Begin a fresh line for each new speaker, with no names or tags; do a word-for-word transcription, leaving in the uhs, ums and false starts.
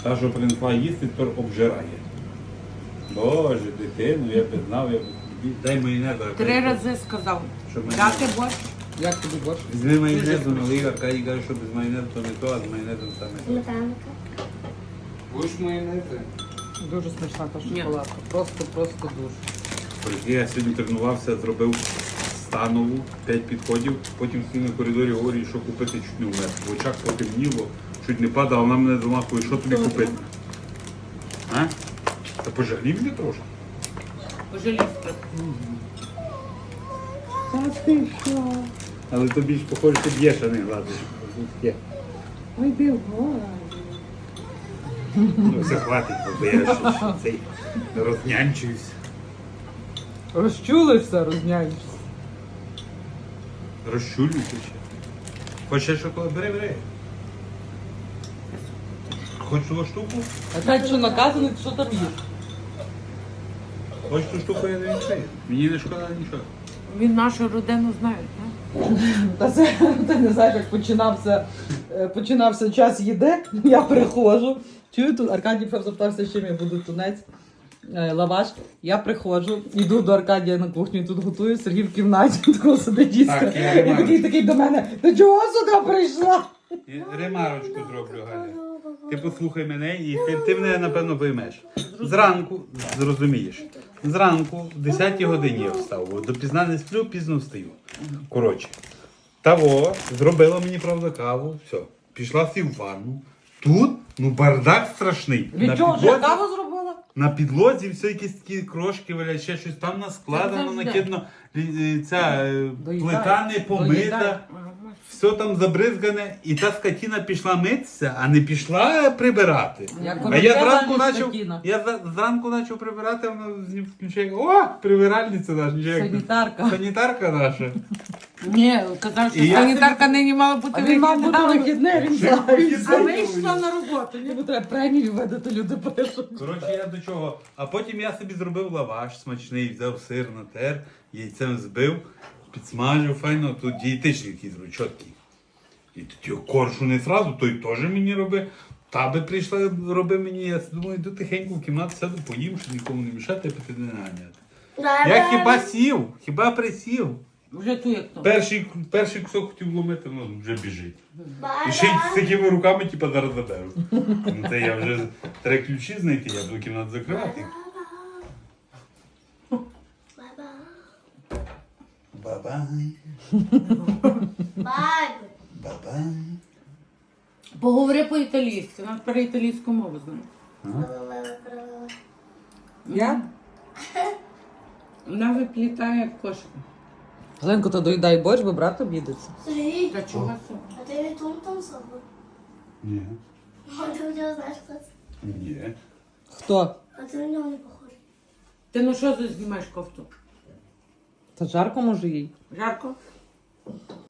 Та, що принесла їсти, тепер обжирає. Боже, дитину, я б знав, я б... Дай майонез.
Три рази сказав.
Що майонез?
Дати борщ.
Як тобі борщ?
Візьми майонезу, налий, Аркадій каже, що без майонезу то не то, а з майонезом саме.
Сметанка.
Будеш майонези? Дуже смачна та
Ні.
шоколадка. Просто, просто дуже.
Прикинь, я сьогодні тренувався, зробив станову, п'ять підходів, потім стою на коридорі, говорю, що купити, чуть не вмер. В очах потемніло, чуть не падав, а вона мене домахує, що тобі купити? А? Та пожалів мене трошки.
Пожалійте.
Та ти що? Але тобі ж, похоже, ти б'єш, а не гладиш. Є.
Ой, ти гола.
Ну, все хватить, бо я ще цей рознянчуюсь.
Розчулишся, розняєшся.
Розчулююся ще. Хочеш шоколад? Бери, бери. Хочеш ту штуку?
А так що наказаний, що там їш?
Хочеш ту штуку, я не відчаю. Мені не шкода нічого.
Він нашу родину знає, так?
Та це ти не знаєш, як починався, е, починався час їди, я приходжу. Чую, тут Аркадій прям запитався, з чим я буду тунець, е, лаваш. Я приходжу, йду до Аркадія на кухню, тут готую, Сергій в кімнаті, такого сидить їсти.
Так, я
І
Ремарочку.
такий такий до мене, ти чого сюди прийшла?
Ремарочку зроблю, Галя. Ти послухай мене і ти, ти мене, напевно, поймеш. Зранку, зрозумієш, зранку, в десятій годині я встав, бо допізна не сплю, пізно встаю. Коротше, того, зробила мені, правда, каву, все, пішла всі в ванну. Тут, ну, бардак страшний.
Від чого, вже каву зробила?
На підлозі все якісь такі крошки валять, ще щось там наскладено,
завжди.
накидано, лі- е, ця е,
Доїдай.
плита не помита.
Доїдай.
Все там забризгане, і та скотіна пішла митися, а не пішла прибирати.
Як
А я
королева,
зранку
не
почав,
скотіна.
я за- зранку почав прибирати, вона з ним включає, о, прибиральниця наша, нічого як-
Санітарка.
санітарка наша.
Ні, казав, що
І я
санітарка нині мала бути
А він мав бути
вихідна.
вихідне, він
Ще
знає.
вихідне.
А вийшла на роботу.
Йому треба премію видати, люди пишуть.
Коротше, я до чого. А потім я собі зробив лаваш смачний, взяв сир, натер, яйцем збив, підсмажив файно, тут дієтичний якийсь зробив, чіткий. І тоді коршу не зразу, той теж мені робив. Та би прийшла, роби мені, я думаю, йду тихенько в кімнату, сяду, поїм, щоб нікому не мішати, піти не наганяти. Я хіба сів, хіба присів.
Вже ту як то.
Перший, перший кусок хотів ломити, ну вже біжить. І ще й з такими руками, типу, зараз заберу. Ну це я вже треба ключі знайти, я буду кімнату закривати. Бабай,
Баб.
бабай.
Поговори по-італійськи, нам тепер італійську мову знає.
Я?
Вона виплітає як кошка.
Ленко, то доїдай борщ, бо брат обідеться.
Сергій,
Та чого це?
а ти від Тум-Том собою?
Ні.
А ти у нього знаєш, хто це?
Ні.
Хто?
А ти на нього не похожий.
Ти ну що знімаєш кофту?
Та жарко може їй.
Жарко?